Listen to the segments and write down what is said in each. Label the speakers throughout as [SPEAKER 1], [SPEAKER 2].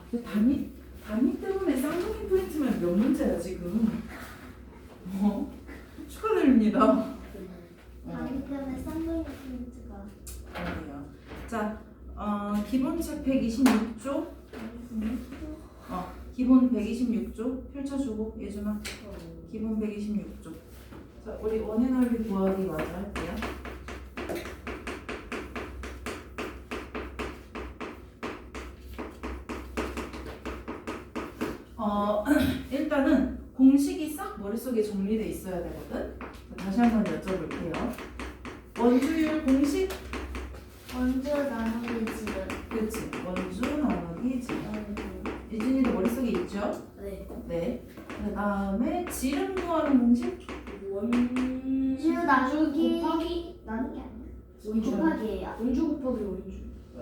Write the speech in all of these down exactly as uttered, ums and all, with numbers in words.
[SPEAKER 1] 근데 담임, 담임 때문에 쌍둥이 포인트만 몇 문제야 지금. 어? 축하드립니다. 어.
[SPEAKER 2] 다리 때문에 쌍둥이 포인트가
[SPEAKER 1] 아니에요. 자, 어, 기본책 백이십육 조. 어, 기본 백이십육 조 펼쳐주고 예준아. 기본 백이십육 조. 자, 우리 원의 넓이 구하기 마저 할게요. 어, 일단은 공식이 싹 머릿속에 정리돼 있어야 되거든. 자, 다시 한번 여쭤볼게요. 원주율 공식?
[SPEAKER 2] 원주 나누기 지름.
[SPEAKER 1] 그치. 원주 나누기 지름. 예준이도 머릿속에 있죠?
[SPEAKER 3] 네.
[SPEAKER 1] 네. 그 다음에 지름 구하는 공식?
[SPEAKER 2] 원주 나누기
[SPEAKER 3] 곱하기
[SPEAKER 2] 나누기 아니야?
[SPEAKER 3] 원주
[SPEAKER 2] 곱하기예요.
[SPEAKER 3] 원주 곱하기 원주.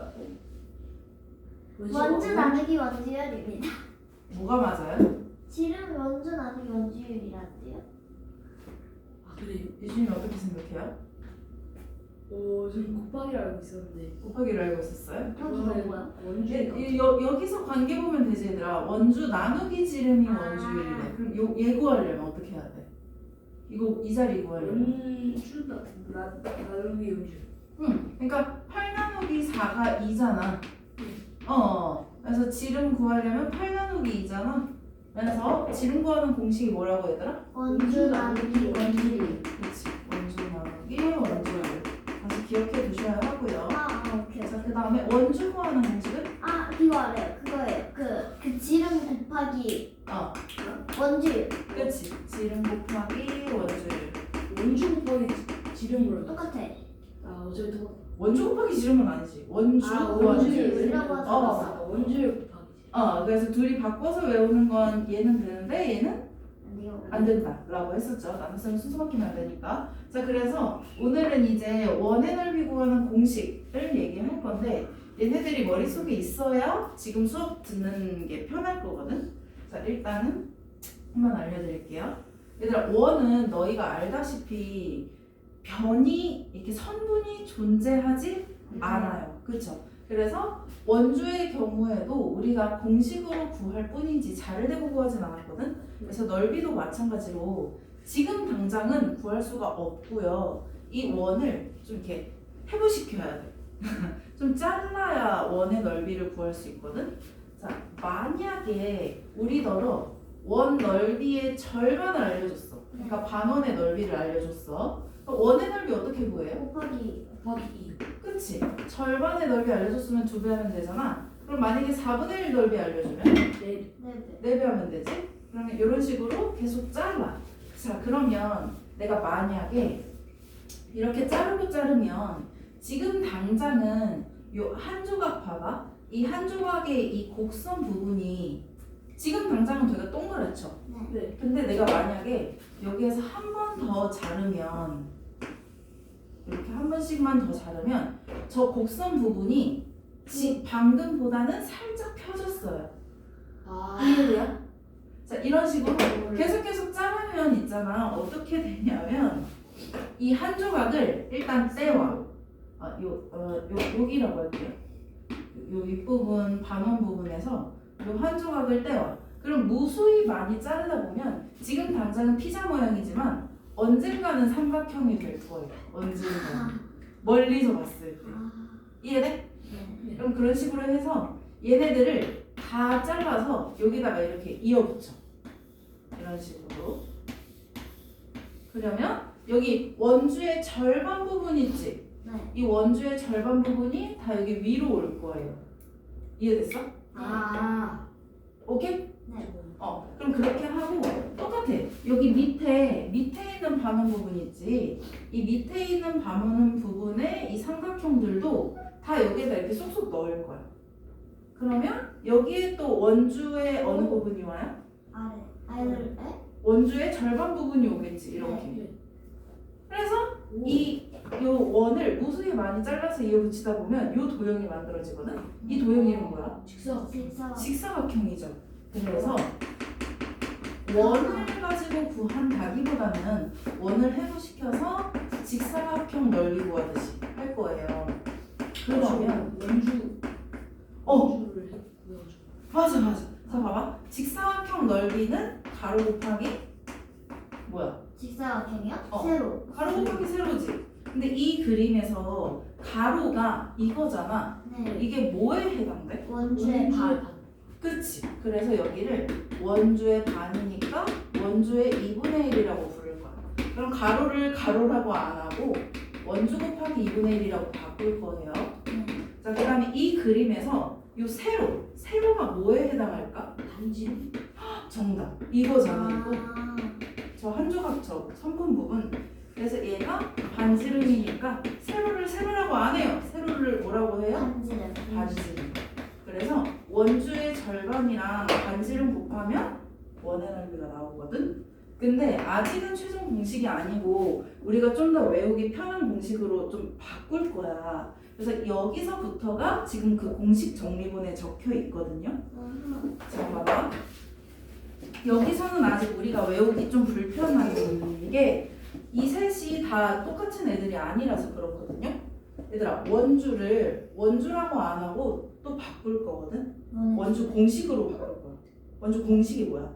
[SPEAKER 2] 원주 나누기 원주율입니다.
[SPEAKER 1] 뭐가 맞아요?
[SPEAKER 2] 지름 원주 나누기 원주율이란데요?
[SPEAKER 3] 아 그래요?
[SPEAKER 1] 예준이 어떻게 생각해요?
[SPEAKER 3] 어 저는 곱하기를 알고 있었는데.
[SPEAKER 1] 곱하기를 알고 있었어요?
[SPEAKER 2] 곱하기가 뭐야?
[SPEAKER 3] 원주.
[SPEAKER 1] 예, 예, 여, 여기서 관계 보면 되지 얘들아. 원주 나누기 지름이
[SPEAKER 2] 아.
[SPEAKER 1] 원주율이래. 그럼 요, 얘 구하려면 어떻게 해야 돼? 이거 이 자리 구하려면
[SPEAKER 3] 원주 나 나- 나누기 원주.
[SPEAKER 1] 응. 그러니까 팔 나누기 사가 이잖아. 어. 그래서 지름 구하려면 팔 나누기 이잖아. 그래서 지름 구하는 공식이 뭐라고 얘들아?
[SPEAKER 2] 원주 나누기 원주율.
[SPEAKER 1] 그렇지. 원주 나누기 원주율. 다시 기억해 두셔야 하고요.
[SPEAKER 2] 아, 아 오케이.
[SPEAKER 1] 자, 그 다음에 원주 구하는 공식은?
[SPEAKER 2] 아 그거 알아요. 그거예요. 그, 그 지름 곱하기
[SPEAKER 1] 어.
[SPEAKER 2] 원주율.
[SPEAKER 1] 그렇지. 지름 곱하기 원주율.
[SPEAKER 3] 원주 곱하기 지- 지름으로.
[SPEAKER 2] 똑같아.
[SPEAKER 3] 아 어차피 똑같아.
[SPEAKER 1] 원주 곱하기 지름은 아니지. 원주
[SPEAKER 3] 아
[SPEAKER 1] 구하기.
[SPEAKER 2] 원주율이라고 하지
[SPEAKER 1] 어.
[SPEAKER 2] 않았어?
[SPEAKER 3] 아 원주율 곱하기.
[SPEAKER 1] 어, 그래서 둘이 바꿔서 외우는 건 얘는 되는데 얘는
[SPEAKER 2] 안 돼요.
[SPEAKER 1] 안 된다라고 했었죠. 나눗셈은 순서 바뀌면 안 되니까. 자, 그래서 오늘은 이제 원의 넓이 구하는 공식을 얘기할 건데 얘네들이 머릿속에 있어야 지금 수업 듣는 게 편할 거거든. 자, 일단은 한번 알려드릴게요. 얘들아, 원은 너희가 알다시피 변이 이렇게 선분이 존재하지 않아요. 그렇죠? 그래서 원주의 경우에도 우리가 공식으로 구할 뿐이지 자를 대고 구하진 않았거든. 그래서 넓이도 마찬가지로 지금 당장은 구할 수가 없고요. 이 원을 좀 이렇게 해부시켜야 돼. 좀 잘라야 원의 넓이를 구할 수 있거든. 자, 만약에 우리더러 원 넓이의 절반을 알려줬어. 그러니까 반원의 넓이를 알려줬어. 그럼 원의 넓이 어떻게 구해요?
[SPEAKER 2] 곱하기
[SPEAKER 3] 곱하기 이.
[SPEAKER 1] 그치? 절반의 넓이 알려줬으면 두 배 하면 되잖아. 그럼 만약에 사분의 일 넓이 알려주면
[SPEAKER 3] 네.
[SPEAKER 2] 네네.
[SPEAKER 1] 네 배 하면 되지? 그러면 이런 식으로 계속 잘라. 자, 그러면 내가 만약에 이렇게 자르고 자르면 지금 당장은 요 한 조각 봐봐. 이 한 조각의 이 곡선 부분이 지금 당장은 되게 동그랗죠?
[SPEAKER 3] 네.
[SPEAKER 1] 근데 내가 만약에 여기에서 한 번 더 자르면 이렇게 한 번씩만 더 자르면 저 곡선 부분이 지, 방금보다는 살짝 펴졌어요.
[SPEAKER 3] 아.
[SPEAKER 1] 이해돼요? 자, 이런 식으로 계속 계속 자르면 있잖아. 어떻게 되냐면 이 한 조각을 일단 떼와. 아, 요, 어, 요, 여기라고 할게요. 요 윗부분, 반원 부분에서 요 한 조각을 떼와. 그럼 무수히 많이 자르다 보면 지금 당장은 피자 모양이지만 언젠가는 삼각형이 될 거예요. 언젠가. 멀리서 봤을 때.
[SPEAKER 2] 아,
[SPEAKER 1] 이해돼?
[SPEAKER 2] 네.
[SPEAKER 1] 그럼 그런 식으로 해서 얘네들을 다 잘라서 여기다가 이렇게 이어붙여. 이런 식으로. 그러면 여기 원주의 절반 부분 있지?
[SPEAKER 2] 네.
[SPEAKER 1] 이 원주의 절반 부분이 다 여기 위로 올 거예요. 이해됐어?
[SPEAKER 3] 아.
[SPEAKER 1] 오케이?
[SPEAKER 2] 네.
[SPEAKER 1] 어, 그럼 그렇게 하고 똑같아. 여기 밑에 밑에 있는 반원 부분 있지. 이 밑에 있는 반원 부분에 이 삼각형들도 다 여기에다 이렇게 쏙쏙 넣을 거야. 그러면 여기에 또 원주의 어느 부분이 와요?
[SPEAKER 2] 아래. 아래를 에?
[SPEAKER 1] 원주의 절반 부분이 오겠지. 이렇게.
[SPEAKER 3] 네.
[SPEAKER 1] 그래서
[SPEAKER 3] 오.
[SPEAKER 1] 이 요 원을 무수히 많이 잘라서 이어붙이다 보면 요 도형이 만들어지거든. 이 도형 이름 뭐야?
[SPEAKER 3] 직사.
[SPEAKER 2] 직사.
[SPEAKER 1] 직사각형이죠. 그래서 원을 가지고 구한다기보다는 원을 해부시켜서 직사각형 넓이 구하듯이 할 거예요. 그러면
[SPEAKER 3] 원주.
[SPEAKER 1] 어
[SPEAKER 3] 원주를 구해가지고.
[SPEAKER 1] 맞아 맞아. 자 봐봐. 직사각형 넓이는 가로 곱하기 뭐야?
[SPEAKER 2] 직사각형이요?
[SPEAKER 1] 어.
[SPEAKER 2] 세로.
[SPEAKER 1] 가로 곱하기 세로지. 근데 이 그림에서 가로가 이거잖아.
[SPEAKER 2] 네.
[SPEAKER 1] 이게 뭐에 해당돼?
[SPEAKER 2] 원주의 반.
[SPEAKER 1] 그치. 그래서 여기를 원주의 반이니까 원주의 이분의 일이라고 부를 거야. 그럼 가로를 가로라고 안 하고 원주 곱하기 이분의 일이라고 바꿀 거예요.
[SPEAKER 2] 네.
[SPEAKER 1] 자, 그 다음에 이 그림에서 요 세로, 세로가 뭐에 해당할까?
[SPEAKER 3] 반지.
[SPEAKER 1] 정답. 이거잖아, 이거.
[SPEAKER 2] 아,
[SPEAKER 1] 저 한 조각 저 성분 부분. 그래서 얘가 반지름이니까 세로를 세로라고 안 해요. 세로를 뭐라고 해요?
[SPEAKER 2] 반지름.
[SPEAKER 1] 반지름. 그래서 원주의 절반이랑 반지름 곱하면 원의 넓이가 나오거든. 근데 아직은 최종 공식이 아니고 우리가 좀 더 외우기 편한 공식으로 좀 바꿀 거야. 그래서 여기서부터가 지금 그 공식 정리본에 적혀 있거든요.
[SPEAKER 2] 아하.
[SPEAKER 1] 자, 봐봐. 여기서는 아직 우리가 외우기 좀 불편한 게 이 셋이 다 똑같은 애들이 아니라서 그렇거든요. 얘들아, 원주를 원주라고 안 하고 또 바꿀 거거든.
[SPEAKER 2] 원의
[SPEAKER 1] 원주 공식으로 바꿀 거야. 원주 공식이 뭐야?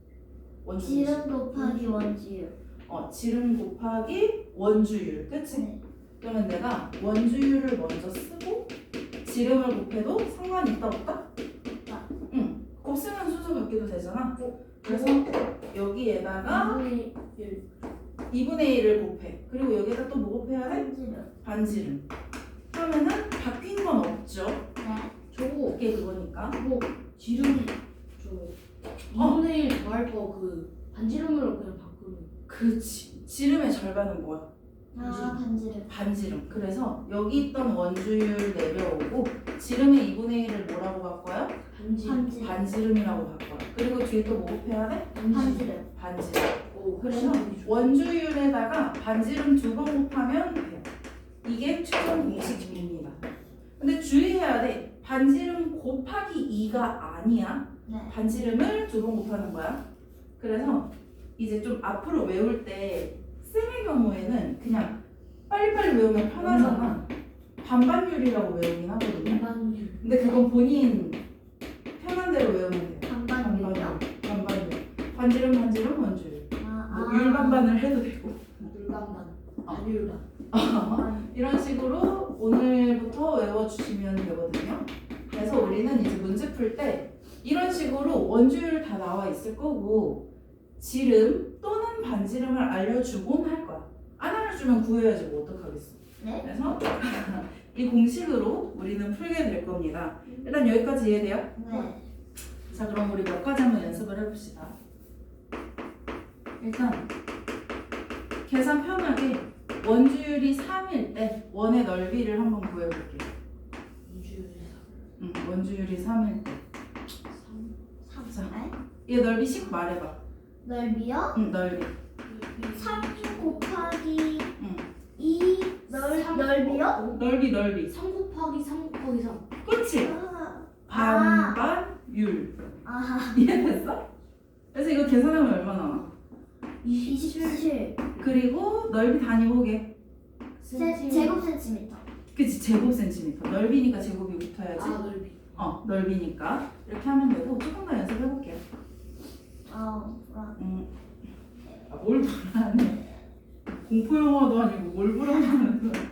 [SPEAKER 1] 원주 공식.
[SPEAKER 2] 지름 곱하기 원주율.
[SPEAKER 1] 어, 지름 곱하기 원주율. 그치?
[SPEAKER 2] 네.
[SPEAKER 1] 그러면 내가 원주율을 먼저 쓰고 지름을 곱해도 상관이 있다 없다?
[SPEAKER 2] 없다.
[SPEAKER 1] 응. 곱셈은 순서 바뀌도 되잖아. 그래서 여기에다가
[SPEAKER 3] 이분의 일.
[SPEAKER 1] 이분의 일을 곱해. 그리고 여기에다 또 뭐 곱해야 돼?
[SPEAKER 2] 반지름.
[SPEAKER 1] 반지름. 그러면은 바뀐 건 없죠.
[SPEAKER 2] 네.
[SPEAKER 3] 저거
[SPEAKER 1] 그게 그거니까.
[SPEAKER 3] 그거 지름 저 이분의 일 더할 거 그 반지름으로 그냥 바꾸는.
[SPEAKER 1] 그치. 지름의 절반은 뭐야?
[SPEAKER 2] 아, 반지름.
[SPEAKER 1] 반지름. 그래서 여기 있던 원주율 내려오고 지름의 이분의 일을 뭐라고 바꿔요?
[SPEAKER 3] 반지.
[SPEAKER 2] 반지름.
[SPEAKER 1] 반지름이라고 바꿔요. 그리고 뒤에 또 뭐 곱해야 돼?
[SPEAKER 2] 반지름.
[SPEAKER 1] 반지름.
[SPEAKER 3] 오,
[SPEAKER 1] 그래서
[SPEAKER 3] 훨씬 좋아.
[SPEAKER 1] 원주율에다가 반지름 두 번 곱하면 돼요. 이게 최종 공식입니다. 근데 주의해야 돼. 반지름 곱하기 이가 아니야.
[SPEAKER 2] 네.
[SPEAKER 1] 반지름을 두 번 곱하는 거야. 그래서 이제 좀 앞으로 외울 때 쌤의 경우에는 그냥 빨리빨리 외우면 편하잖아. 반반율이라고 외우긴 하거든요.
[SPEAKER 3] 반반율.
[SPEAKER 1] 근데 그건 본인 편한 대로 외우면 돼.
[SPEAKER 2] 반반율이요?
[SPEAKER 1] 반반율. 반지름 반지름 원주율.
[SPEAKER 2] 아,
[SPEAKER 1] 뭐
[SPEAKER 2] 아.
[SPEAKER 1] 율반반을 해도 되고.
[SPEAKER 3] 물반반.
[SPEAKER 1] 어.
[SPEAKER 3] 반율반.
[SPEAKER 2] 반반.
[SPEAKER 1] 이런 식으로 오늘부터 외워주시면 되거든요. 그래서 우리는 이제 문제 풀 때 이런 식으로 원주율 다 나와 있을 거고 지름 또는 반지름을 알려주곤 할 거야. 안 알려주면 구해야지 뭐 어떡하겠어.
[SPEAKER 2] 네.
[SPEAKER 1] 그래서 이 공식으로 우리는 풀게 될 겁니다. 일단 여기까지 이해돼요?
[SPEAKER 2] 네.
[SPEAKER 1] 자, 그럼 우리 몇 가지 한번 연습을 해봅시다. 일단 계산 편하게 원주율이 삼일 때 원의 넓이를 한번 구해볼게요.
[SPEAKER 3] 이주율
[SPEAKER 1] 응, 원주율이 삼일 때.
[SPEAKER 2] 삼.
[SPEAKER 1] 자.
[SPEAKER 2] 네.
[SPEAKER 1] 얘 넓이씩 말해봐.
[SPEAKER 2] 넓이요?
[SPEAKER 1] 응, 넓이.
[SPEAKER 2] 삼 곱하기
[SPEAKER 1] 응.
[SPEAKER 2] 이 넓,
[SPEAKER 3] 삼.
[SPEAKER 2] 넓이요?
[SPEAKER 1] 넓이, 넓이.
[SPEAKER 3] 삼 곱하기 삼 곱하기 삼.
[SPEAKER 1] 그치?
[SPEAKER 2] 아,
[SPEAKER 1] 반반율.
[SPEAKER 2] 아,
[SPEAKER 1] 이해됐어? 그래서 이거 계산하면 얼마 나와?
[SPEAKER 2] 이십칠
[SPEAKER 1] 그리고 넓이 단위 보게.
[SPEAKER 2] 세, 제곱 센티미터.
[SPEAKER 1] 그치, 제곱 센티미터. 넓이니까 제곱이 붙어야지.
[SPEAKER 3] 아 넓이.
[SPEAKER 1] 어, 넓이니까. 이렇게 하면 되고 조금 더 연습해볼게요.
[SPEAKER 2] 아, 아,
[SPEAKER 1] 음. 아, 뭘 불안해. 공포 영화도 아니고 뭘 불안하는 거야.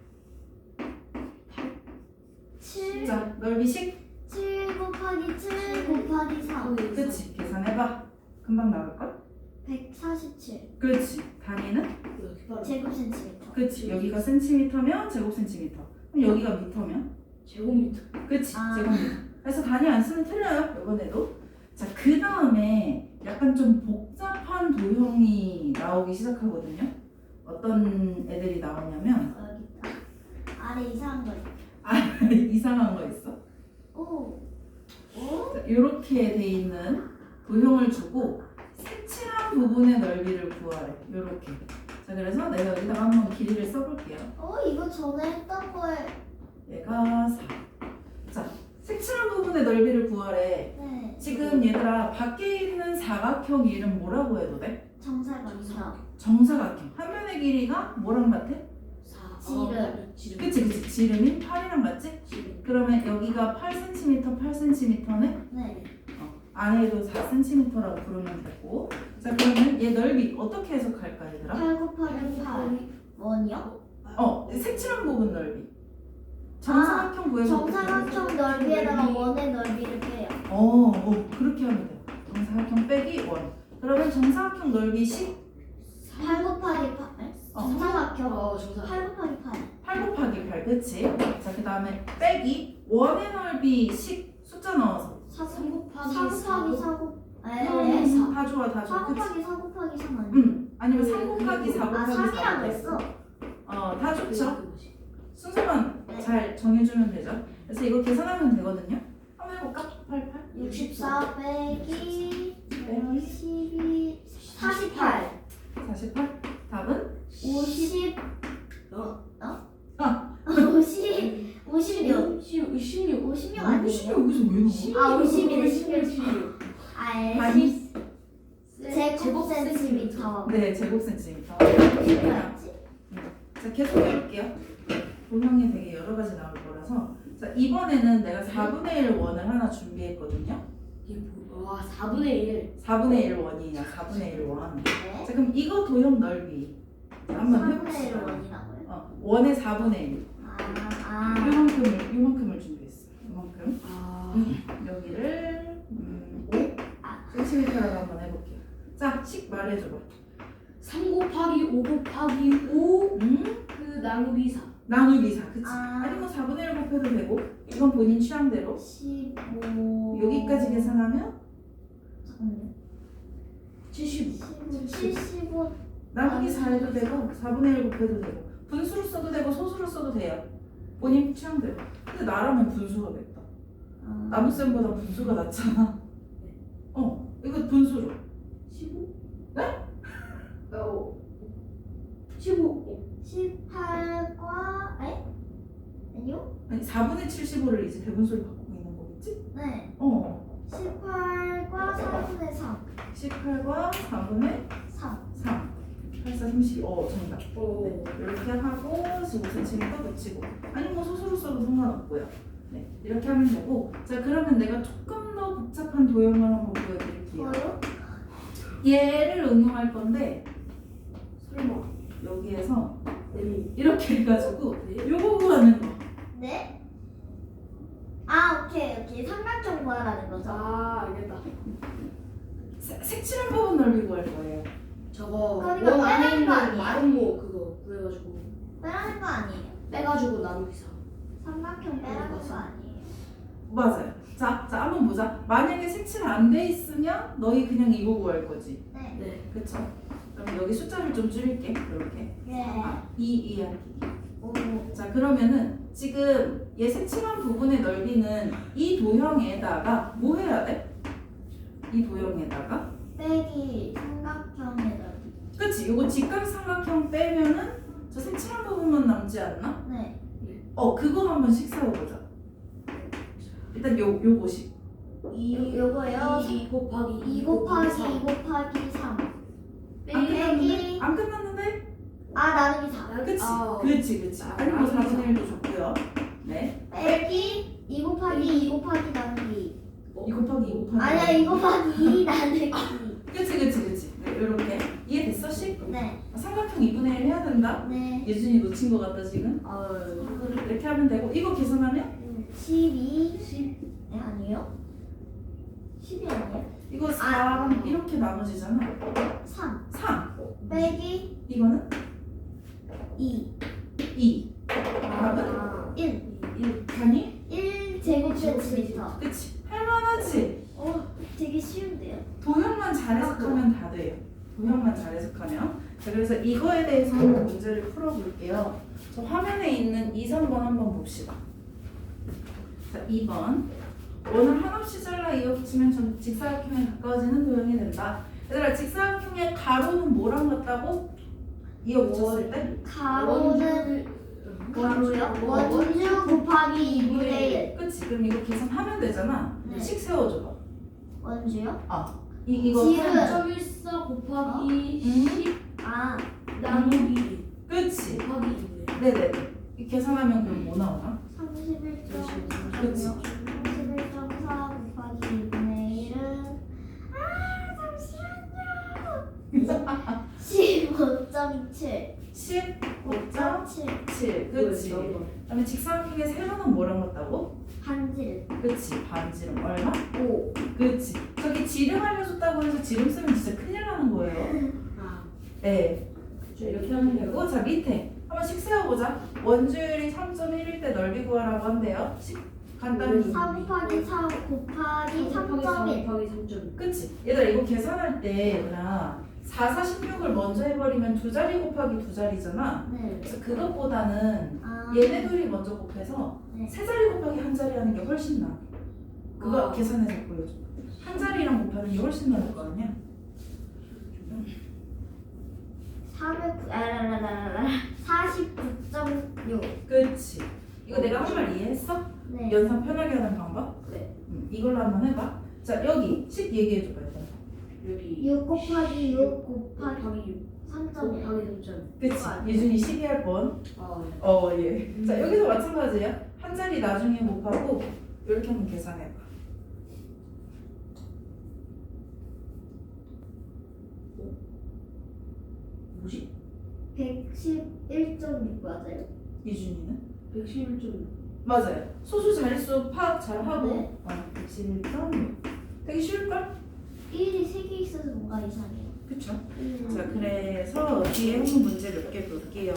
[SPEAKER 2] 칠,
[SPEAKER 1] 자, 넓이식.
[SPEAKER 2] 칠 곱하기 칠 곱하기 삼.
[SPEAKER 1] 그치, 계산해봐. 금방 나올걸?
[SPEAKER 2] 백사십칠.
[SPEAKER 1] 그렇지. 단위는?
[SPEAKER 3] 이렇게 빠르.
[SPEAKER 2] 제곱 센티미터.
[SPEAKER 1] 그치. 여기가 센티미터면 제곱 센티미터. 그럼 여기가 미터면?
[SPEAKER 3] 제곱미터.
[SPEAKER 1] 그치.
[SPEAKER 2] 아.
[SPEAKER 1] 제곱미터. 그래서 단위 안 쓰면 틀려요. 이번에도. 자, 그 다음에 약간 좀 복잡한 도형이 나오기 시작하거든요. 어떤 애들이 나오냐면
[SPEAKER 2] 어, 여기 있다. 아래 이상한 거 있다.
[SPEAKER 1] 아, 이상한 거 있어.
[SPEAKER 2] 오.
[SPEAKER 1] 자, 이렇게 돼 있는 도형을 주고 색칠한 부분의 넓이를 구하래. 이렇게. 자, 그래서 내가 여기다가 한번 길이를 써볼게요.
[SPEAKER 2] 어, 이거 전에 했던 거에.
[SPEAKER 1] 얘가 사. 자, 색칠한 부분의 넓이를 구하래.
[SPEAKER 2] 네.
[SPEAKER 1] 지금 얘들아 밖에 있는 사각형 이름 뭐라고 해도 돼?
[SPEAKER 2] 정사각형.
[SPEAKER 1] 정사각형. 한 면의 길이가 뭐랑 같아?
[SPEAKER 3] 사.
[SPEAKER 2] 지름.
[SPEAKER 3] 지름.
[SPEAKER 1] 그치 그치 지름이 팔이랑 맞지?
[SPEAKER 3] 지름.
[SPEAKER 1] 그러면 여기가 팔 센티미터 팔 센티미터네?
[SPEAKER 2] 네.
[SPEAKER 1] 어, 안에도 사 센티미터라고 부르면 되고 자 그러면 얘 넓이 어떻게 해석할까 얘들아?
[SPEAKER 2] 팔 곱하기 팔. 원이요?
[SPEAKER 1] 어 색칠한 부분 넓이 정사각형 구해서
[SPEAKER 2] 정사각형 넓이에다가 원의 넓이를 빼요.
[SPEAKER 1] 어, 어 그렇게 하면 돼요 정사각형 빼기 원 그러면 정사각형 넓이 십
[SPEAKER 2] 팔 곱하기 팔. 네?
[SPEAKER 1] 어.
[SPEAKER 2] 정사각형.
[SPEAKER 3] 어 정사.
[SPEAKER 2] 팔 곱하기 팔.
[SPEAKER 1] 팔 곱하기 팔 그치? 자그 다음에 빼기 원의 넓이 십 숫자 넣어서
[SPEAKER 2] 사
[SPEAKER 3] 삼 곱하기
[SPEAKER 2] 사
[SPEAKER 3] 사.
[SPEAKER 2] 곱하기 사 곱. 에.
[SPEAKER 1] 음, 다 좋아 다
[SPEAKER 2] 사
[SPEAKER 1] 좋아 그치?
[SPEAKER 2] 곱하기 사 곱하기 삼 아니야?
[SPEAKER 1] 응 아니면 삼 곱하기 사
[SPEAKER 2] 아
[SPEAKER 1] 곱하기 사
[SPEAKER 2] 삼이라고 했어.
[SPEAKER 1] 어다 좋죠
[SPEAKER 3] 그거지.
[SPEAKER 1] 순서만
[SPEAKER 2] 네.
[SPEAKER 1] 잘 정해주면 되죠 그래서 이거 계산하면 되거든요 한번 해볼까? 팔십팔
[SPEAKER 2] 육십사 빼기 십이 사십팔.
[SPEAKER 1] 사십팔 답은?
[SPEAKER 2] 오십.
[SPEAKER 3] 어.
[SPEAKER 1] 아
[SPEAKER 2] 오십. 오십육.
[SPEAKER 3] 십육. 십육.
[SPEAKER 2] 오십육 아니에요?
[SPEAKER 1] 여기서 왜 나와?
[SPEAKER 2] 아, 오십일,
[SPEAKER 3] 십육.
[SPEAKER 2] 십육. 아,
[SPEAKER 1] 아니.
[SPEAKER 2] 십 제곱 센티미터.
[SPEAKER 1] 네 제곱 센티미터
[SPEAKER 2] 뭐였지?
[SPEAKER 1] 자 계속 해볼게요 도형이 되게 여러 가지 나올 거라서 자 이번에는 내가 사분의 일 원을 하나 준비했거든요
[SPEAKER 3] 이게 뭐? 와 사분의 일.
[SPEAKER 1] 사분의 일 원이냐 사분의 일 원.
[SPEAKER 2] 네.
[SPEAKER 1] 자 그럼 이거 도형 넓이 자, 한번
[SPEAKER 2] 삼분의 일
[SPEAKER 1] 해봅시다
[SPEAKER 2] 원이라고요?
[SPEAKER 1] 어, 원의 사분의 일
[SPEAKER 2] 아, 아.
[SPEAKER 1] 요만큼을 요만큼을 준비했어 요만큼
[SPEAKER 3] 아.
[SPEAKER 1] 여기를 음,
[SPEAKER 2] 아.
[SPEAKER 1] 오 센티미터라고 한번 해볼게요 자 식 말해줘봐
[SPEAKER 3] 삼 곱하기 오 곱하기 오.
[SPEAKER 1] 음?
[SPEAKER 3] 그 나누기 사.
[SPEAKER 1] 나누기 사 그치?
[SPEAKER 2] 아.
[SPEAKER 1] 아니 뭐 사분의 일 곱해도 되고 이건 본인 취향대로
[SPEAKER 2] 십오.
[SPEAKER 1] 여기까지 계산하면
[SPEAKER 2] 잠깐만요.
[SPEAKER 3] 칠십오.
[SPEAKER 2] 칠십오.
[SPEAKER 1] 나누기 사 해도 되고 사분의 일 곱해도 되고 분수로 써도 되고 소수로 써도 돼요 본인 취향대로 근데 나라면 분수가 맵다
[SPEAKER 2] 아.
[SPEAKER 1] 나무쌤보다 분수가 낫잖아 어 이거 분수로
[SPEAKER 3] 십오?
[SPEAKER 1] 네?
[SPEAKER 3] 어. 십오.
[SPEAKER 2] 십팔과 에? 아니요?
[SPEAKER 1] 아니 사분의 칠십오를 이제 배분수로 바꾸고 있는 거겠지?
[SPEAKER 2] 네.
[SPEAKER 1] 어
[SPEAKER 2] 십팔과 사분의 삼.
[SPEAKER 1] 십팔과 사분의
[SPEAKER 2] 삼.
[SPEAKER 1] 삼 팔, 사, 삼십 어 정답
[SPEAKER 3] 오.
[SPEAKER 1] 네, 이렇게 하고 십오 센티미터 붙이고 아니 뭐 소수로 써도 상관없고요 네 이렇게 하면 되고 자 그러면 내가 조금 더 복잡한 도형을 한번 보여드릴게요
[SPEAKER 2] 저요?
[SPEAKER 1] 얘를 응용할 건데
[SPEAKER 3] 설마.
[SPEAKER 1] 여기에서
[SPEAKER 3] 네.
[SPEAKER 1] 이렇게 해가지고 요거 구하는 거
[SPEAKER 2] 네? 아, 오케이, 오케이. 삼각형 구하라는 거죠.
[SPEAKER 3] 아 알겠다.
[SPEAKER 1] 색- 색칠한 부분 넓이 구할 거예요
[SPEAKER 3] 저거
[SPEAKER 2] 그러니까
[SPEAKER 3] 원 안에
[SPEAKER 2] 빼라는 거
[SPEAKER 3] 있는
[SPEAKER 2] 아니에요?
[SPEAKER 3] 마름모 그거 그래가지고
[SPEAKER 2] 빼라는 거 아니에요.
[SPEAKER 3] 빼가지고 나누기 사.
[SPEAKER 2] 삼각형 빼라는 거 아니에요.
[SPEAKER 1] 맞아요 자, 자 한번 보자 만약에 색칠 안 돼 있으면 너희 그냥 이거 구할 거지
[SPEAKER 2] 네.
[SPEAKER 3] 네.
[SPEAKER 1] 그쵸? 그럼 여기 숫자를 좀 줄일게 이렇게
[SPEAKER 2] 네.
[SPEAKER 1] 아, 이 이하기
[SPEAKER 2] 오.
[SPEAKER 1] 자 그러면은 지금 얘 색칠한 부분의 넓이는 이 도형에다가 뭐 해야 돼? 이 도형에다가
[SPEAKER 2] 빼기 삼각형의 넓이.
[SPEAKER 1] 그치? 요거 직각삼각형 빼면은 저 색칠한 부분만 남지 않나?
[SPEAKER 2] 네.
[SPEAKER 1] 어 그거 한번 씩 세워보자 일단 요, 요거씩
[SPEAKER 2] 이 요거요.
[SPEAKER 3] 이 곱하기
[SPEAKER 2] 이 곱하기 이 곱하기 삼.
[SPEAKER 1] 안 끝났는데?
[SPEAKER 2] 빼기
[SPEAKER 1] 안 끝났는데?
[SPEAKER 2] 아 나누기 사.
[SPEAKER 1] 그치?
[SPEAKER 3] 아.
[SPEAKER 1] 그치 그치
[SPEAKER 3] 아,
[SPEAKER 1] 아니 뭐
[SPEAKER 3] 나누기
[SPEAKER 1] 사분의 일도 좋고요 네
[SPEAKER 2] 빼기 이 곱하기 이 곱하기 나누기.
[SPEAKER 1] 이 곱하기 이 곱하기
[SPEAKER 2] 아니야 이 곱하기 이 나누기.
[SPEAKER 1] 그치 그치 그치 네, 요렇게 이해됐어 씩?
[SPEAKER 2] 네.
[SPEAKER 1] 삼각형 이분의 일 해야 된다
[SPEAKER 2] 네.
[SPEAKER 1] 예준이 놓친 것 같다 지금
[SPEAKER 3] 아
[SPEAKER 1] 이렇게 하면 되고 이거 계산하면
[SPEAKER 2] 십이. 십. 네 아니에요? 십이 아니에요?
[SPEAKER 1] 이거 사
[SPEAKER 2] 아.
[SPEAKER 1] 이렇게 나눠지잖아
[SPEAKER 2] 삼.
[SPEAKER 1] 삼
[SPEAKER 2] 빼기
[SPEAKER 1] 이거는
[SPEAKER 2] 이.
[SPEAKER 1] 이
[SPEAKER 3] 아.
[SPEAKER 2] 일.
[SPEAKER 3] 일.
[SPEAKER 1] 아니?
[SPEAKER 2] 일 제곱 센티미터.
[SPEAKER 1] 그치 할만하지
[SPEAKER 2] 어 되게 쉬운데요?
[SPEAKER 1] 도형만 잘 해석하면 다 돼요 도형만 잘 해석하면 자 그래서 이거에 대해서 한번 문제를 풀어볼게요 저 화면에 있는 이, 삼 번 한번 봅시다 자 이 번 원을 한없이 잘라 이어붙이면 전 직사각형에 가까워지는 도형이 된다 얘들아 직사각형의 가로는 뭐랑 같다고? 이어붙였을 때?
[SPEAKER 2] 가로는 가로요?
[SPEAKER 3] 원.
[SPEAKER 2] 원주 곱하기 이분의 일.
[SPEAKER 1] 그치 그럼 이거 계산하면 되잖아
[SPEAKER 2] 네.
[SPEAKER 1] 식 세워줘봐
[SPEAKER 2] 원주요?
[SPEAKER 1] 이, 이거
[SPEAKER 2] 지름.
[SPEAKER 1] 하면
[SPEAKER 3] 점 일사 곱하기
[SPEAKER 1] 음.
[SPEAKER 3] 십
[SPEAKER 2] 아
[SPEAKER 3] 나누기.
[SPEAKER 1] 그치.
[SPEAKER 3] 곱하기 이네.
[SPEAKER 1] 네네. 이 계산하면 그럼 뭐 나오나?
[SPEAKER 2] 삼십일 점
[SPEAKER 1] 그치.
[SPEAKER 2] 삼십일 점 사 곱하기 이분의 일은 아 잠시만요. 십오 점 칠.
[SPEAKER 1] 십오 점
[SPEAKER 2] 칠.
[SPEAKER 1] 칠. 그치. 그다음에 직사각형의 세로는 뭐랑 같다고?
[SPEAKER 2] 반지름
[SPEAKER 1] 그치. 반지름 얼마?
[SPEAKER 2] 오.
[SPEAKER 1] 그치. 저기 지름 알려줬다고 해서 지름 쓰면 진짜 큰일 나는 거예요.
[SPEAKER 3] 아,
[SPEAKER 1] 네. 자, 이렇게 하면 되고, 자 밑에 한 번씩 세워보자. 원주율이 삼 점 일일 때 넓이 구하라고 한대요. 시- 간단히.
[SPEAKER 2] 사 곱하기 사 곱하기 삼 점 일.
[SPEAKER 3] 곱하기 삼 점 일.
[SPEAKER 1] 그치. 얘들아 이거 계산할 때 얘들아 사, 사, 십육을 먼저 해버리면 두 자리 곱하기 두 자리잖아.
[SPEAKER 2] 네.
[SPEAKER 1] 그래서 그것보다는
[SPEAKER 2] 아.
[SPEAKER 1] 얘네 둘이 먼저 곱해서
[SPEAKER 2] 네.
[SPEAKER 1] 세 자리 곱하기 한 자리 하는 게 훨씬 나아. 그거
[SPEAKER 3] 아.
[SPEAKER 1] 계산해서 보여줘. 한 자리랑 곱하는 게 훨씬 나을 거 아니야?
[SPEAKER 2] 사백 아라라라라 사십구 점 육.
[SPEAKER 1] 그치. 이거 내가 한 말 이해했어?
[SPEAKER 2] 네.
[SPEAKER 1] 연산 편하게 하는 방법?
[SPEAKER 3] 네.
[SPEAKER 1] 음, 이걸로 한번 해봐. 자 여기 십 얘기해줘봐. 얘들아.
[SPEAKER 3] 여기
[SPEAKER 2] 육 곱하기 육 곱하기
[SPEAKER 3] 곱하기 육.
[SPEAKER 2] 삼 점 일.
[SPEAKER 3] 곱하기 삼 점 일.
[SPEAKER 1] 그치. 예준이 십이 할 뻔.
[SPEAKER 3] 아, 네.
[SPEAKER 1] 어 예. 자 여기서 마찬가지야. 한 자리 나중에 곱하고 이렇게 한번 계산해봐.
[SPEAKER 3] 뭐지?
[SPEAKER 2] 백십일 점 육 맞아요?
[SPEAKER 1] 이준이는?
[SPEAKER 3] 백십일 점 육.
[SPEAKER 1] 맞아요. 소수 자릿수 파악 잘 하고.
[SPEAKER 2] 네.
[SPEAKER 1] 어, 백십일 점 육. 되게 쉬울걸?
[SPEAKER 2] 일이 세 개 있어서 뭔가 이상해요.
[SPEAKER 1] 그쵸?
[SPEAKER 2] 음.
[SPEAKER 1] 자 그래서 뒤에 한번 문제 몇 개 볼게요.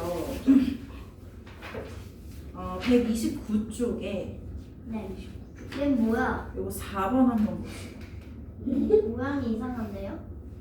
[SPEAKER 1] 어, 백이십구 쪽에
[SPEAKER 2] 네. 얘 뭐야?
[SPEAKER 1] 요거 사 번 한번 보시죠.
[SPEAKER 2] 모양이 이상한데요?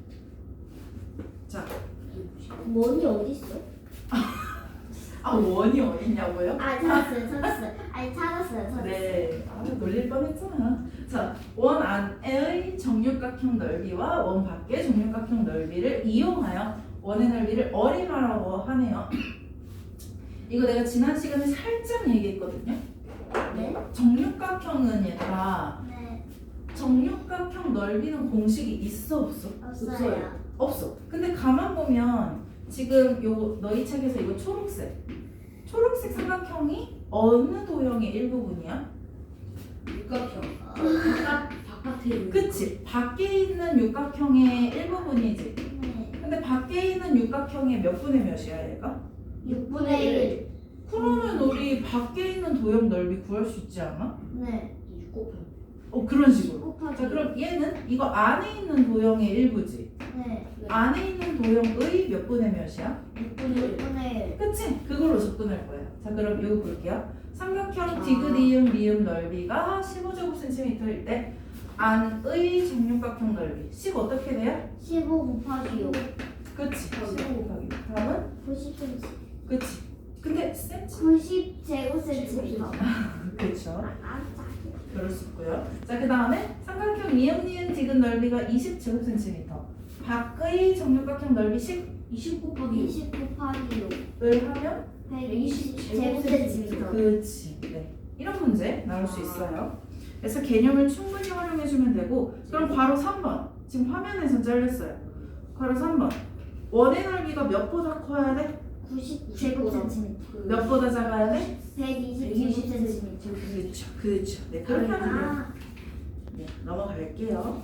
[SPEAKER 1] 자,
[SPEAKER 2] 원이 어디 있어?
[SPEAKER 1] 아 원이 어딨냐고요?
[SPEAKER 2] 아 찾았어요, 찾았어요. 아니 찾았어요, 찾았어요.
[SPEAKER 1] 네, 아 놀릴 뻔했잖아. 자, 원 안의 정육각형 넓이와 원 밖의 정육각형 넓이를 이용하여 원의 넓이를 어림하라고 하네요. 이거 내가 지난 시간에 살짝 얘기했거든요.
[SPEAKER 2] 네?
[SPEAKER 1] 정육각형은 얘들아
[SPEAKER 2] 네.
[SPEAKER 1] 정육각형 넓이는 공식이 있어 없어?
[SPEAKER 2] 없어요.
[SPEAKER 1] 없어. 근데 가만 보면 지금 요 너희 책에서 이거 초록색 초록색 삼각형이 어느 도형의 일부분이야?
[SPEAKER 3] 육각형.
[SPEAKER 2] 어,
[SPEAKER 3] 바깥 바깥에 있는.
[SPEAKER 1] 그치? 밖에 있는 육각형의 일부분이지.
[SPEAKER 2] 네.
[SPEAKER 1] 근데 밖에 있는 육각형의 몇 분의 몇이야 얘가?
[SPEAKER 2] 육분의 일.
[SPEAKER 1] 그러면 우리 밖에 있는 도형 넓이 구할 수 있지 않아?
[SPEAKER 2] 네.
[SPEAKER 3] 육 곱하기.
[SPEAKER 1] 어 그런 식으로.
[SPEAKER 2] 곱하기.
[SPEAKER 1] 자 그럼 얘는 이거 안에 있는 도형의 일부지.
[SPEAKER 2] 네.
[SPEAKER 1] 안에 있는 도형의 몇 분의 몇이야?
[SPEAKER 3] 육분의 일.
[SPEAKER 2] 육분의 일.
[SPEAKER 1] 그치? 그걸로 접근할 거야. 자 그럼 이거 볼게요. 삼각형
[SPEAKER 3] 아.
[SPEAKER 1] 디귿이음 리음 넓이가 십오 제곱센티미터일 때 안의 정육각형 넓이 십 어떻게 돼요?
[SPEAKER 2] 십오 곱하기 육.
[SPEAKER 1] 그치? 십오 곱하기 다음은?
[SPEAKER 2] 구십 센티미터.
[SPEAKER 1] 그치? 근데 센치?
[SPEAKER 2] 구십 제곱센티미터.
[SPEAKER 1] 그쵸?
[SPEAKER 2] 아,
[SPEAKER 1] 그럴 수 있고요. 자 그 다음에 삼각형 이음 니은 디귿 넓이가 이십 제곱센티미터 밖의 정육각형 넓이 십을
[SPEAKER 3] 이십 곱하기 육.
[SPEAKER 2] 이십 곱하기 육.
[SPEAKER 1] 하면
[SPEAKER 2] 백이십 제곱센티미터.
[SPEAKER 1] 그치. 네. 이런 문제 나올 수 있어요. 그래서 개념을 충분히 활용해주면 되고 그럼 괄호 삼 번 지금 화면에선 잘렸어요. 괄호 삼 번 원의 넓이가 몇보다 커야 돼?
[SPEAKER 2] 구십 제곱센티미터.
[SPEAKER 1] 몇 보다 작아야 돼?
[SPEAKER 2] 백이십 제곱센티미터.
[SPEAKER 1] 그렇죠. 그렇죠. 네, 그렇게 하면 돼요.
[SPEAKER 2] 아,
[SPEAKER 1] 네, 넘어갈게요.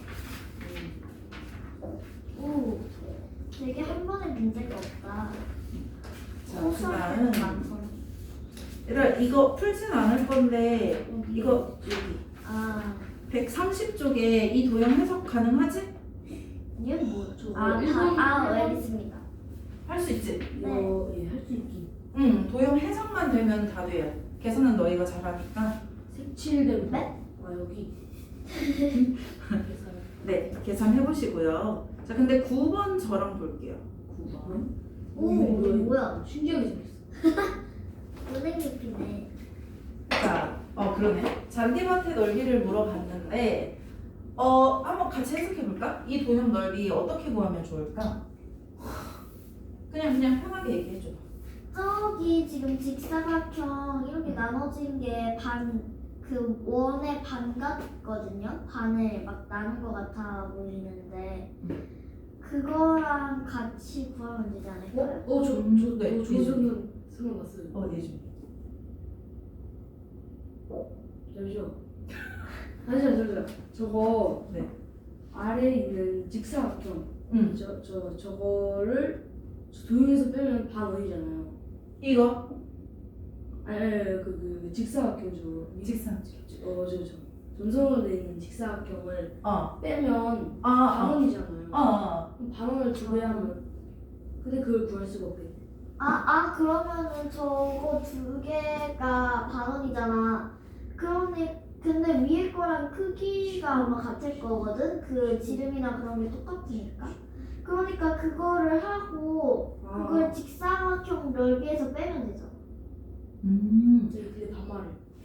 [SPEAKER 2] 오, 되게 한 번에 문제가 없다.
[SPEAKER 1] 자,
[SPEAKER 2] 소수하는
[SPEAKER 1] 그다음
[SPEAKER 2] 많구나.
[SPEAKER 1] 얘들아 이거 풀진 않을 건데 이거 여기
[SPEAKER 2] 아,
[SPEAKER 1] 백삼십 쪽에 이 도형 해석 가능하지?
[SPEAKER 2] 이건 뭐?
[SPEAKER 3] 저거
[SPEAKER 2] 아,
[SPEAKER 3] 일본
[SPEAKER 2] 다, 아,
[SPEAKER 3] 일본
[SPEAKER 2] 알겠습니다.
[SPEAKER 1] 할 수 있지?
[SPEAKER 3] 이거 예, 할 수 있긴.
[SPEAKER 1] 응, 도형 해석만 되면 다 돼요. 계산은 너희가 잘하니까.
[SPEAKER 3] 색칠된 거.
[SPEAKER 2] 네?
[SPEAKER 3] 아 여기. 계산.
[SPEAKER 1] 네, 계산해 보시고요. 자, 근데 구 번 저랑 볼게요. 구 번.
[SPEAKER 2] 오,
[SPEAKER 3] 이거
[SPEAKER 2] 이거 뭐야?
[SPEAKER 3] 신기하게 생겼어.
[SPEAKER 2] 은행 깊이네.
[SPEAKER 1] 자, 어 그러네. 잔디밭의 넓이를 물어봤는데, 어 한번 같이 해석해 볼까? 이 도형 넓이 어떻게 구하면 좋을까? 그냥 그냥 편하게 얘기해 줘.
[SPEAKER 2] 저기 지금 직사각형 이렇게 나눠진 게 반, 그 원의 반 같거든요? 반을 막 나눈 것 같아 보이는데 그거랑 같이 구하면 되지
[SPEAKER 3] 어?
[SPEAKER 2] 않을까요?
[SPEAKER 3] 어, 저,
[SPEAKER 1] 음,
[SPEAKER 3] 저,
[SPEAKER 1] 네,
[SPEAKER 3] 어, 저
[SPEAKER 1] 예준이.
[SPEAKER 3] 생각, 생각났어요.
[SPEAKER 1] 어, 예준.
[SPEAKER 3] 잠시만. 잠시만, 잠시만. 저거
[SPEAKER 1] 네.
[SPEAKER 3] 아래에 있는 직사각형.
[SPEAKER 1] 응.
[SPEAKER 3] 저, 저, 저거를 저 도형에서 빼면 반원이잖아요.
[SPEAKER 1] 이거
[SPEAKER 3] 아니, 아니, 아니, 그, 그, 그 직사각형 저.
[SPEAKER 1] 직선.
[SPEAKER 3] 어, 저, 저. 점선으로 돼 있는 직사각형을
[SPEAKER 1] 어.
[SPEAKER 3] 빼면
[SPEAKER 1] 아, 아.
[SPEAKER 3] 반원이잖아요.
[SPEAKER 1] 어, 어.
[SPEAKER 3] 그럼 반원을 두 배 하면. 근데 그걸 구할 수가 없겠네.
[SPEAKER 2] 아, 아 그러면은 저거 두 개가 반원이잖아. 그러니 근데 위에 거랑 크기가 아마 같을 거거든. 그 지름이나 그런 게 똑같으니까. 그러니까 그거를 하고
[SPEAKER 3] 아.
[SPEAKER 2] 그걸 직사각형 넓이에서 빼면 되죠.
[SPEAKER 1] 음.
[SPEAKER 3] 저기 그게 반말을.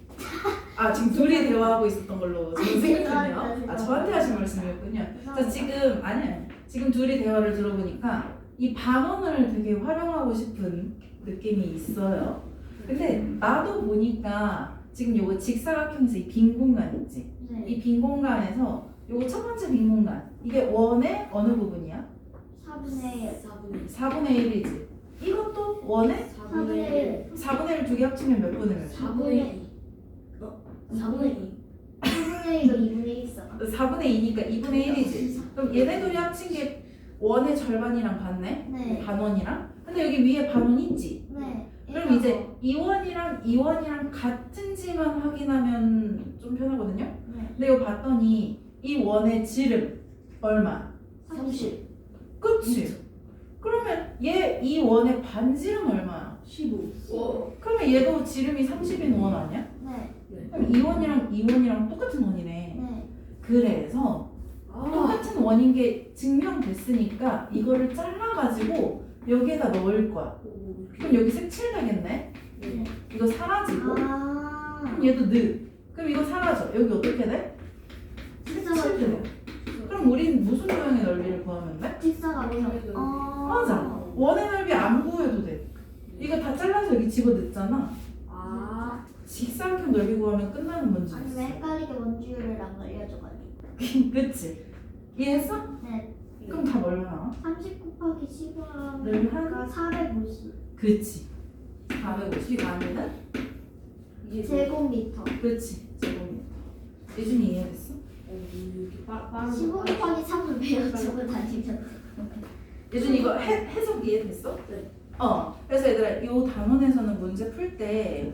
[SPEAKER 1] 아, 지금 둘이 대화하고 있었던 걸로 지금 생각했네요. 아,
[SPEAKER 2] 죄송합니다.
[SPEAKER 1] 저한테 하신 말씀이었군요. 자,
[SPEAKER 2] 죄송합니다.
[SPEAKER 1] 지금 아니에요. 지금 둘이 대화를 들어보니까 이 반원을 되게 활용하고 싶은 느낌이 있어요. 근데 나도 보니까 지금 요거 직사각형에서 이 빈 공간 있지?
[SPEAKER 2] 네.
[SPEAKER 1] 이 빈 공간에서 요거 첫 번째 빈 공간 이게 원의 어느 부분이야?
[SPEAKER 2] 사분의 일.
[SPEAKER 3] 사분의 일.
[SPEAKER 1] 사분의 일이지. 이것도 원의
[SPEAKER 3] 사분의 일.
[SPEAKER 1] 사분의 일 두 개 합치면 몇 분의 몇?
[SPEAKER 3] 사분의 이. 어? 사분의 이.
[SPEAKER 2] 사분의 일도 이분의 일 있어.
[SPEAKER 1] 사분의 이니까 이분의 일이지. 그럼 얘네 둘이 합친 게 원의 절반이랑 같네?
[SPEAKER 2] 네.
[SPEAKER 1] 반원이랑? 근데 여기 위에 반원 있지?
[SPEAKER 2] 네.
[SPEAKER 1] 그럼 이제 이원이랑 이원이랑 같은지만 확인하면 좀 편하거든요?
[SPEAKER 2] 네.
[SPEAKER 1] 근데 이거 봤더니 이 원의 지름 얼마?
[SPEAKER 3] 삼십.
[SPEAKER 1] 그치? 그러면 얘 이 원의 반지름 얼마야?
[SPEAKER 3] 십오. 어.
[SPEAKER 1] 그러면 얘도 지름이 삼십인 원 아니야?
[SPEAKER 2] 네.
[SPEAKER 1] 그럼 이원이랑 이원이랑 똑같은 원이네.
[SPEAKER 2] 네.
[SPEAKER 1] 그래서
[SPEAKER 3] 아.
[SPEAKER 1] 똑같은 원인 게 증명됐으니까 이거를 잘라가지고 여기에다 넣을 거야.
[SPEAKER 3] 오, 이렇게.
[SPEAKER 1] 그럼 여기 색칠되겠네?
[SPEAKER 3] 네.
[SPEAKER 1] 이거 사라지고
[SPEAKER 2] 아.
[SPEAKER 1] 그럼 얘도 느. 그럼 이거 사라져. 여기 어떻게 돼? 색칠돼. 그럼 우린 무슨 도형의 넓이를 구하면 돼?
[SPEAKER 2] 직사각형. 어.
[SPEAKER 1] 맞아. 원의 넓이 안 구해도 돼. 이거 다 잘라서 여기 집어넣잖아.
[SPEAKER 3] 아.
[SPEAKER 1] 직사각형 넓이 구하면 끝나는 문제
[SPEAKER 2] 아니
[SPEAKER 1] 있어.
[SPEAKER 2] 왜 헷갈리게 원주율을 안 알려줘가지고.
[SPEAKER 1] 그치? 이해했어?
[SPEAKER 2] 네.
[SPEAKER 1] 그럼 답 얼마 나와?
[SPEAKER 2] 삼십 곱하기 십오
[SPEAKER 1] 늘
[SPEAKER 2] 하면 사백오십
[SPEAKER 1] 그치. 사백오십 아니면?
[SPEAKER 3] 이게
[SPEAKER 2] 제곱미터.
[SPEAKER 1] 그치. 제곱미터. 예준이 이해했어?
[SPEAKER 3] 어, 이렇게 빠, 빠른
[SPEAKER 2] 십오
[SPEAKER 3] 거.
[SPEAKER 2] 곱하기 삼을 배워주고 다니면.
[SPEAKER 1] 예준이 이거 해, 해석 이해됐어?
[SPEAKER 3] 네.
[SPEAKER 1] 어. 그래서 얘들아 이 단원에서는 문제 풀 때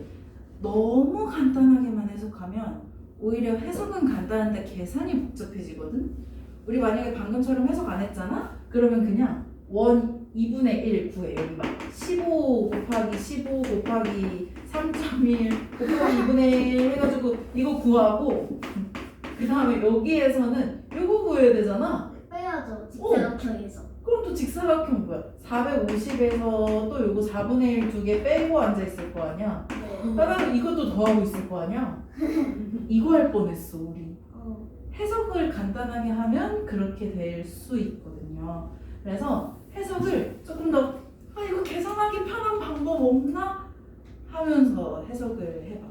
[SPEAKER 1] 너무 간단하게만 해석하면 오히려 해석은 간단한데 계산이 복잡해지거든? 우리 만약에 방금처럼 해석 안 했잖아? 그러면 그냥 원 이분의 일 구해. 여기 막 십오 곱하기 십오 곱하기 삼 점 일 곱하기 이분의 일 해가지고 이거 구하고 그 다음에 여기에서는 이거 구해야 되잖아?
[SPEAKER 2] 빼야죠. 직사각형에서.
[SPEAKER 1] 그럼 또 직사각형 뭐야? 사백오십에서 또 요거 사분의 일 두 개 빼고 앉아있을 거 아니야?
[SPEAKER 2] 네.
[SPEAKER 1] 그러면 이것도 더하고 있을 거 아니야? 이거 할 뻔했어 우리.
[SPEAKER 2] 어.
[SPEAKER 1] 해석을 간단하게 하면 그렇게 될 수 있거든요. 그래서 해석을 조금 더 아, 이거 계산하기 편한 방법 없나? 하면서 해석을 해봐.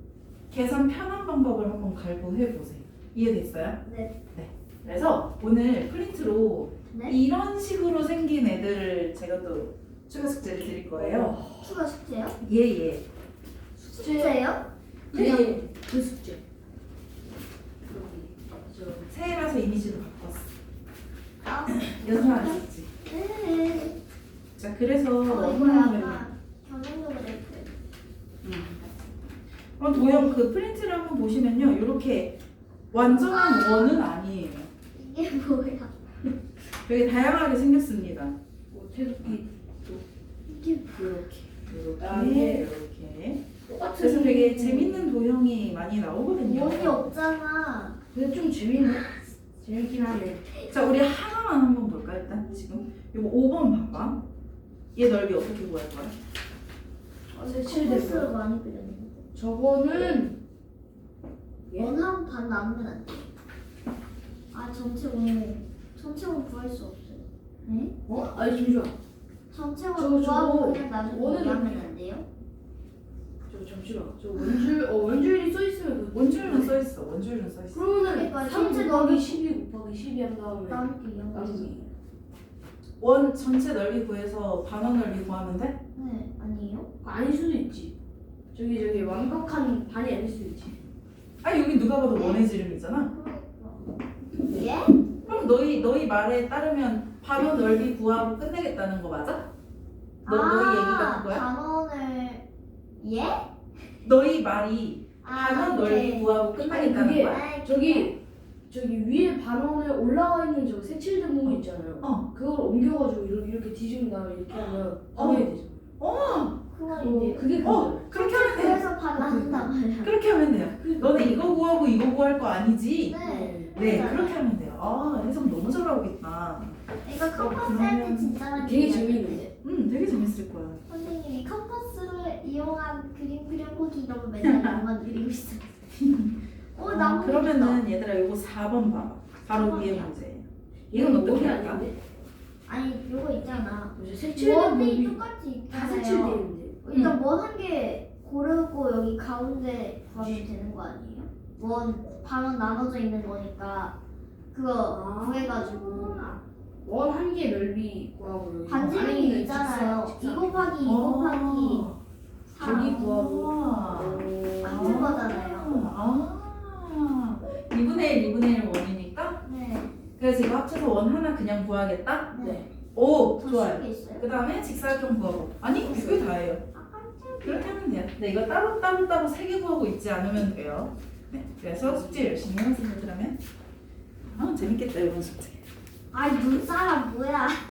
[SPEAKER 1] 계산 편한 방법을 한번 갈고해 보세요. 이해됐어요?
[SPEAKER 2] 네.
[SPEAKER 1] 그래서 오늘 프린트로
[SPEAKER 2] 네.
[SPEAKER 1] 이런 식으로 생긴 애들을 제가 또 추가 숙제를 드릴 거예요.
[SPEAKER 2] 추가 숙제요?
[SPEAKER 1] 예예.
[SPEAKER 2] 숙제요?
[SPEAKER 3] 그냥
[SPEAKER 1] 예.
[SPEAKER 3] 그 숙제. 저
[SPEAKER 1] 새해라서 이미지도 바꿨어.
[SPEAKER 2] 아.
[SPEAKER 1] 연습 안 했지.
[SPEAKER 2] 네.
[SPEAKER 1] 자 그래서
[SPEAKER 2] 어, 이거
[SPEAKER 1] 원하는
[SPEAKER 2] 약간 경영도 그랬고.
[SPEAKER 1] 그럼 도형 그 프린트를 한번 보시면요, 이렇게 완전한 원은 아니에요.
[SPEAKER 2] 이게 뭐야?
[SPEAKER 1] 되게 다양하게 생겼습니다.
[SPEAKER 3] 뭐 태극기
[SPEAKER 2] 이게
[SPEAKER 1] 이렇게,
[SPEAKER 3] 아,
[SPEAKER 1] 이렇게,
[SPEAKER 3] 네.
[SPEAKER 1] 이렇게.
[SPEAKER 3] 똑같은.
[SPEAKER 1] 그래서 되게 재밌는 도형이 많이 나오거든요.
[SPEAKER 2] 원이 없잖아.
[SPEAKER 3] 근데 좀 재밌네. 재밌긴 하네.
[SPEAKER 1] 자, 우리 하나만 한번 볼까 일단 지금 이거 오 번 봐봐. 얘 넓이 어떻게 구할 거야?
[SPEAKER 3] 어, 색칠된
[SPEAKER 2] 코스로
[SPEAKER 3] 거.
[SPEAKER 2] 많이 그렸는데.
[SPEAKER 3] 저거는 예?
[SPEAKER 2] 원하면 반 나누면 안 돼. 아 전체 원 전체 원 구할 수 없어요. 네?
[SPEAKER 3] 어? 아니 잠시만.
[SPEAKER 2] 전체
[SPEAKER 3] 저,
[SPEAKER 2] 원
[SPEAKER 3] 저거
[SPEAKER 2] 구하고 그냥 나중에
[SPEAKER 3] 원은
[SPEAKER 2] 얘기하면
[SPEAKER 3] 이렇게-
[SPEAKER 2] 안 돼요?
[SPEAKER 3] 저 잠시만. 저 원줄 어 원줄이 써 있으면 그
[SPEAKER 1] 원줄은 써 있어. 원줄은 써 있어.
[SPEAKER 3] 그러면은
[SPEAKER 2] 그러니까
[SPEAKER 3] 삼
[SPEAKER 2] 전체
[SPEAKER 3] 곱하기
[SPEAKER 2] 너무-
[SPEAKER 3] 십이 곱하기 십이 한 다음에
[SPEAKER 2] 나누기 영.
[SPEAKER 3] 나누기.
[SPEAKER 1] 원 전체 넓이 구해서 반원 넓이 구하면 돼?
[SPEAKER 2] 네, 아니에요?
[SPEAKER 3] 아닐 수도 있지. 저기 저기 완벽한 반이 아닐 수도 있지.
[SPEAKER 1] 아니 여기 누가 봐도 원의 지름이잖아.
[SPEAKER 2] 예?
[SPEAKER 1] 그럼 너희 너희 말에 따르면 반원 넓이 구하고 끝내겠다는 거 맞아? 너 너희 얘기가 그거야?
[SPEAKER 2] 반원을 예?
[SPEAKER 1] 너희 말이
[SPEAKER 2] 아,
[SPEAKER 1] 반원 넓이
[SPEAKER 2] 오케이.
[SPEAKER 1] 구하고 끝나겠다는
[SPEAKER 3] 그게-
[SPEAKER 1] 거야?
[SPEAKER 2] 아,
[SPEAKER 3] 저기 저기 위에 반원에 올라와 있는 저 색칠된 부분 있잖아요.
[SPEAKER 1] 어.
[SPEAKER 3] 그걸 옮겨가지고 이렇게, 이렇게 뒤집은 다음에 이렇게 하면 반원이 되죠.
[SPEAKER 1] 어,
[SPEAKER 2] 그건 이제
[SPEAKER 3] 그게
[SPEAKER 1] 어,
[SPEAKER 3] 그거잖아요.
[SPEAKER 1] 그렇게 하면 돼.
[SPEAKER 2] 그래서 반환한단 말이야.
[SPEAKER 1] 그렇게 하면 돼요. 너네 이거 구하고 이거 구할 거 아니지?
[SPEAKER 2] 네.
[SPEAKER 1] 네,
[SPEAKER 2] 맞아요.
[SPEAKER 1] 그렇게 하면 돼요. 아, 해석 너무 잘하고 있다.
[SPEAKER 2] 이거 컴퍼스
[SPEAKER 1] 그러면-
[SPEAKER 2] 할 때 진짜 많이
[SPEAKER 3] 되게
[SPEAKER 2] 이야기해요.
[SPEAKER 3] 재밌는데.
[SPEAKER 1] 음, 되게 재밌을 거야.
[SPEAKER 2] 선생님이 컴퍼스를 이용한 그림 그려보기 이런 거 맨날 나만 그리고 있어. 어,
[SPEAKER 1] 아,
[SPEAKER 2] 나무
[SPEAKER 1] 그러면은 얘들아 이거 사 번 봐봐. 바로
[SPEAKER 2] 사
[SPEAKER 1] 위에
[SPEAKER 2] 번이야.
[SPEAKER 1] 문제. 이건 어떻게
[SPEAKER 3] 원이
[SPEAKER 1] 할까?
[SPEAKER 3] 아닌데?
[SPEAKER 2] 아니 요거 있잖아.
[SPEAKER 3] 뭐죠? 색칠된
[SPEAKER 2] 원이
[SPEAKER 3] 부분이
[SPEAKER 2] 똑같이
[SPEAKER 3] 다
[SPEAKER 2] 있잖아요.
[SPEAKER 3] 색칠돼 있는데.
[SPEAKER 2] 일단 원 한 개 고르고 여기 가운데 구하면 되는 거 아니에요? 원 반원 나눠져 있는 거니까 그거
[SPEAKER 3] 아.
[SPEAKER 2] 구해가지고
[SPEAKER 3] 원 한 개 넓이 구하고 여기 안에
[SPEAKER 2] 반지름이
[SPEAKER 3] 있는
[SPEAKER 2] 있잖아요.
[SPEAKER 3] 직사-
[SPEAKER 2] 이 곱하기 이
[SPEAKER 1] 어.
[SPEAKER 2] 곱하기
[SPEAKER 3] 저기
[SPEAKER 2] 삼
[SPEAKER 3] 구하고.
[SPEAKER 1] 아.
[SPEAKER 2] 같은 거잖아요.
[SPEAKER 1] 아, 이분의 일, 이분의 일 원이니까?
[SPEAKER 2] 네.
[SPEAKER 1] 그래서 이거 합쳐서 원 하나 그냥 구하겠다?
[SPEAKER 2] 네.
[SPEAKER 1] 오,
[SPEAKER 2] 더
[SPEAKER 1] 좋아요.
[SPEAKER 2] 쉬운 게 있어요?
[SPEAKER 1] 그 다음에 직사각형 구하고. 아니, 그게 다예요.
[SPEAKER 2] 아 깜짝이야.
[SPEAKER 1] 그렇게 하면 돼요. 네, 이거 따로 따로 따로 세 개 구하고 있지 않으면 돼요. 네, 그래서 숙제 열심히 해보세요, 그러면. 아, 재밌겠다, 이번 숙제.
[SPEAKER 2] 아이 눈사람 뭐야?